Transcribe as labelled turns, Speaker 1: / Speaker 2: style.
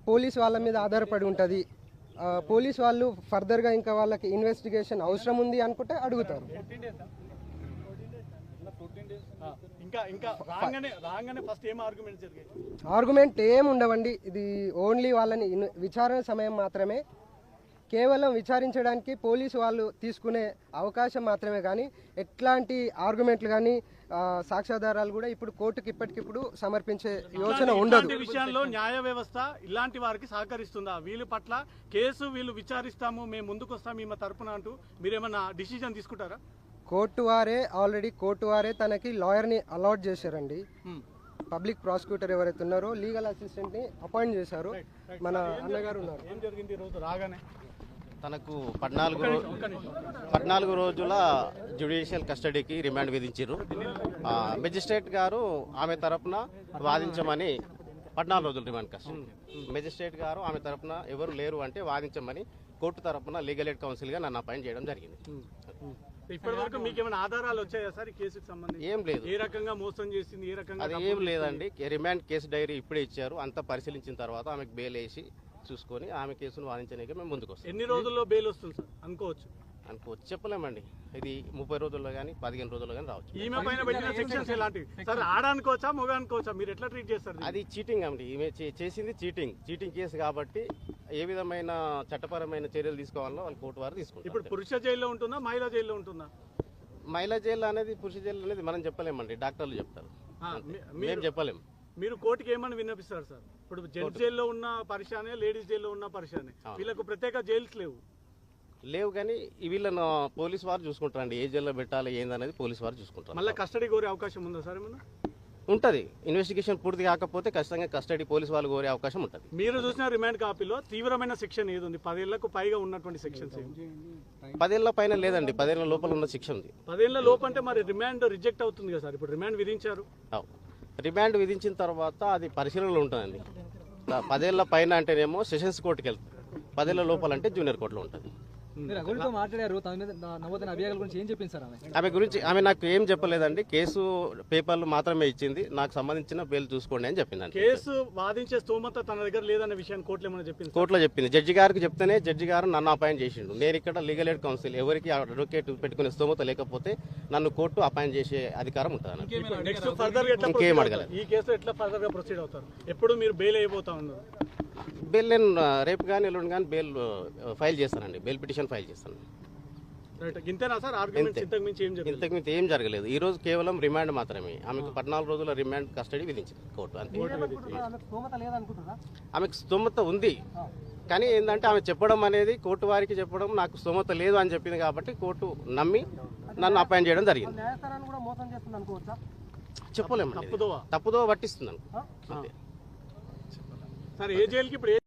Speaker 1: Police వాళ్ళ మీద ఆధారపడి ఉంటుంది. పోలీస్ వాళ్ళు ఫర్దర్గా ఇంకా వాళ్ళకి ఇన్వెస్టిగేషన్ అవసరం ఉంది అనుకుంటే అడుగుతారు. ఆర్గ్యుమెంట్ ఏం ఉండవండి. ఇది ఓన్లీ వాళ్ళని విచారణ సమయం మాత్రమే, కేవలం విచారించడానికి పోలీసు వాళ్ళు తీసుకునే అవకాశం మాత్రమే. కానీ ఎట్లాంటి ఆర్గ్యుమెంట్లు కానీ సాక్ష్యాధారాలు కూడా ఇప్పుడు కోర్టుకి ఇప్పటికిప్పుడు సమర్పించే యోచన ఉండదు.
Speaker 2: విషయంలో న్యాయ వ్యవస్థ ఇలాంటి వారికి సహకరిస్తుందా? వీళ్ళ పట్ల కేసు వీళ్ళు విచారిస్తాము, మేము ముందుకు వస్తాము ఈమె తరపున అంటూ మీరేమన్నా డిసిజన్ తీసుకుంటారా?
Speaker 1: ఆల్రెడీ కోర్టు వారే తనకి లాయర్ని అలాట్ చేశారండి. పబ్లిక్ ప్రాసిక్యూటర్ ఎవరైతే ఉన్నారో లీగల్ అసిస్టెంట్ ని అపాయింట్ చేశారు. మన అన్నగారు ఉన్నారు.
Speaker 2: ఏం జరిగింది ఈ రోజు రాగానే?
Speaker 3: తనకు 14 రోజుల జ్యుడిషియల్ కస్టడీకి రిమాండ్ విధించారు. మెజిస్ట్రేట్ గారు ఆమె తరపున వాదించమని 14 రోజులు రిమాండ్ కస్టడీ. మెజిస్ట్రేట్ గారు ఆమె తరపున ఎవరు లేరు అంటే వాదించమని కోర్టు తరపున లీగల్ ఎయిడ్ కౌన్సిల్ గా నన్ను అపాయింట్ చేయడం జరిగింది.
Speaker 2: ఇప్పటి వరకు మీకు ఏమైనా ఆధారాలు వచ్చాయా సార్ ఈ కేసుకు సంబంధించి?
Speaker 3: ఏం లేదు.
Speaker 2: ఏ రకంగా మోసం చేసింది, ఏ రకంగా?
Speaker 3: అది ఏం లేదండి. రిమాండ్ కేసు డైరీ ఇప్పుడే ఇచ్చారు. అంతా పరిశీలించిన తర్వాత ఆమెకు బెయిల్ వేసి చూసుకొని ఆమె కేసును వాదించడానికి మేము ముందుకు వస్తాం.
Speaker 2: ఎన్ని రోజుల్లో బెయిల్ వస్తుంది సార్ అనుకోవచ్చు?
Speaker 3: చెప్పలేమండి. ఇది 30 రోజుల్లో కానీ 15 రోజుల్లో కానీ రావచ్చు.
Speaker 2: ఈమె పైన పెట్టిన సెక్షన్స్ ఎలాంటివి సార్? ఆడనుకోవచ్చా, మొగ అనుకోవచ్చా? మీరు ఎట్లా ట్రీట్ చేస్తారు?
Speaker 3: అది చీటింగ్ అండి. ఈమె చేసింది చీటింగ్ కేసు కాబట్టి ఏ విధమైన చట్టపరమైన చర్యలు తీసుకోవాలో వాళ్ళు కోర్టు వారు తీసుకుంటారు.
Speaker 2: ఇప్పుడు పురుష జైల్లో ఉంటుందా, మహిళా జైల్లో ఉంటుందా?
Speaker 3: మహిళా జైలు అనేది పురుష జైలు అనేది మనం చెప్పలేమండి, డాక్టర్లు చెప్తారు, మేము చెప్పలేము.
Speaker 2: మీరు కోర్టుకి ఏమని విన్నపిస్తారు సార్? ఇప్పుడు జెంట్స్ జైల్లో ఉన్న పరిశానే, లేడీస్ జైల్లో ఉన్న పరిశానే, వీళ్ళకు ప్రత్యేక జైల్స్ లేవు
Speaker 3: కానీ వీళ్ళను పోలీసు వారు చూసుకుంటారండి. ఏ జైల్లో పెట్టాలి ఏందనేది పోలీసు వారు చూసుకుంటారు.
Speaker 2: మళ్ళీ కస్టడీ కోరే అవకాశం ఉందా సార్ ఏమన్నా?
Speaker 3: ఉంటుంది. ఇన్వెస్టిగేషన్ పూర్తి కాకపోతే ఖచ్చితంగా కస్టడీ పోలీసు వాళ్ళు కోరే అవకాశం ఉంటుంది.
Speaker 2: మీరు చూసిన రిమాండ్ కాపీలో తీవ్రమైన సెక్షన్ ఏది ఉంది? 10 ఏళ్లకు పైగా ఉన్నటువంటి సెక్షన్స్
Speaker 3: 10 ఏళ్ల పైన లేదండి, 10 ఏళ్ల లోపల ఉన్న శిక్ష ఉంది.
Speaker 2: 10 ఏళ్ల లోపు అంటే మరి రిమాండ్ రిజెక్ట్ అవుతుంది కదా సార్? ఇప్పుడు రిమాండ్ విధించారు.
Speaker 3: రిమాండ్ విధించిన తర్వాత అది పరిశీలనలో ఉంటుందండి. 10 ఏళ్ల పైన అంటేనేమో సెషన్స్ కోర్టుకి వెళ్తుంది, 10 ఏళ్ల లోపల అంటే జూనియర్ కోర్టులో ఉంటుంది. ఆమె నాకు ఏం చెప్పలేదండి. కేసు పేపర్లు మాత్రమే ఇచ్చింది. నాకు సంబంధించిన బెయిల్ చూసుకోండి అని చెప్పింది.
Speaker 2: కేసు వాదించే స్తోమత తన దగ్గర లేదన్న విషయాన్ని కోర్టులో ఏమైనా చెప్పింది?
Speaker 3: కోర్టులో చెప్పింది. జడ్జి గారికి చెప్తేనే జడ్జి గారు నన్ను అపాయింట్ చేసిండు. నేను ఇక్కడ లీగల్ ఎయిడ్ కౌన్సిల్, ఎవరికి అడ్వకేట్ పెట్టుకునే స్తోమత లేకపోతే నన్ను కోర్టు అపాయింట్ చేసే అధికారం ఉంటుంది. ఇంకేం అడగలేదు.
Speaker 2: ఈ కేసు ఎట్లా ఫర్దర్ గా ప్రొసీడ్ అవుతారు? ఎప్పుడు మీరు బెయిల్ అయిపోతా ఉన్నారు?
Speaker 3: బెయిల్ నేను రేపు కానీ ఎల్లుండి కానీ బెయిల్ ఫైల్ చేస్తానండి. బెయిల్ పిటిషన్ ఫైల్ చేస్తాను. ఇంతకుమించి ఏం జరగలేదు. ఈ రోజు కేవలం రిమాండ్ మాత్రమే. ఆమెకు 14 రోజుల రిమాండ్ కస్టడీ విధించింది కోర్టు, అంతే. ఆమెకు స్తోమత ఉంది కానీ ఏంటంటే ఆమె చెప్పడం అనేది కోర్టు వారికి చెప్పడం నాకు స్తోమత లేదు అని చెప్పింది కాబట్టి కోర్టు నమ్మి నన్ను అపాయింట్ చేయడం జరిగింది. చెప్పలేము, తప్పుదో పట్టిస్తున్నాను.
Speaker 2: సార్ ఏ జైలుకి ఇప్పుడు